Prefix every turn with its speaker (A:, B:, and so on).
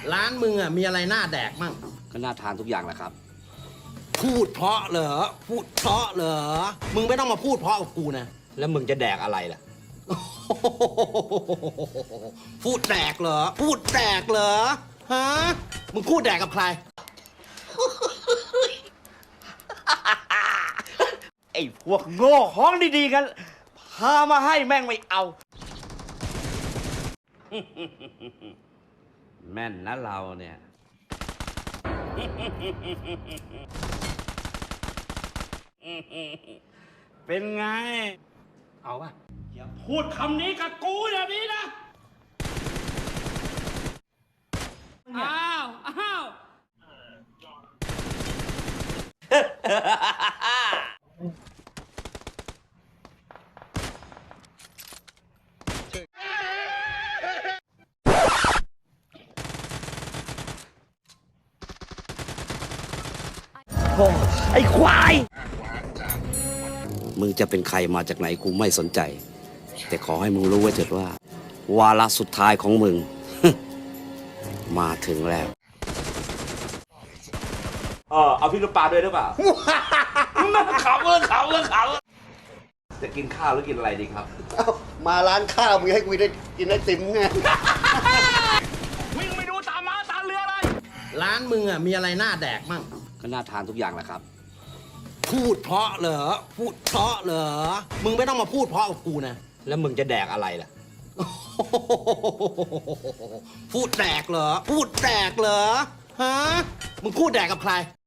A: ร้านมึงอ่ะมีอะไรน่าแดกมั่ง
B: ก็น่าทานทุกอย่างแหละครับ
A: พูดเพราะเหรอพูดเพราะเหรอมึงไม่ต้องมาพูดเพราะกับกูนะ
B: แล้วมึงจะแดกอะไรล่ะ
A: พูดแดกเหรอพูดแดกเหรอฮะมึงพูดแดกกับใคร
B: ไอ้พวกโง่ของดีๆกัน พามาให้แม่งไม่เอา แม่นนะเราเนี่ย เป็นไง
A: เอาป่ะ
B: อย่าพูดคำนี้กับกูอย่างนี้นะ อ้าว อ้าว โอ้ไอ้ควาย มึงจะเป็นใครมาจากไหนกูไม่สนใจ แต่ขอให้มึงรู้ไว้เถิดว่า วาระสุดท้ายของมึง มาถึงแล้ว เอาพี่ลูกปลาด้วยหรือเปล่า ขำจะกินข้าวหรือกินอะไรดีครับ
C: มาร้านข้าวมึงให้กูได้กินไอติมไง
B: วิ่งไปดูตามม้าตามเรือเลย
A: ร้านมึงอ่ะมีอะไรน่าแดกมั่ง
B: ก็น่าทานทุกอย่างแหละครับ
A: พูดเพราะเหรอพูดเพราะเหรอมึงไม่ต้องมาพูดเพราะกับกูนะ
B: แล้วมึงจะแดกอะไรล่ะ
A: พูดแดกเหรอพูดแดกเหรอฮะมึงพูดแดกกับใคร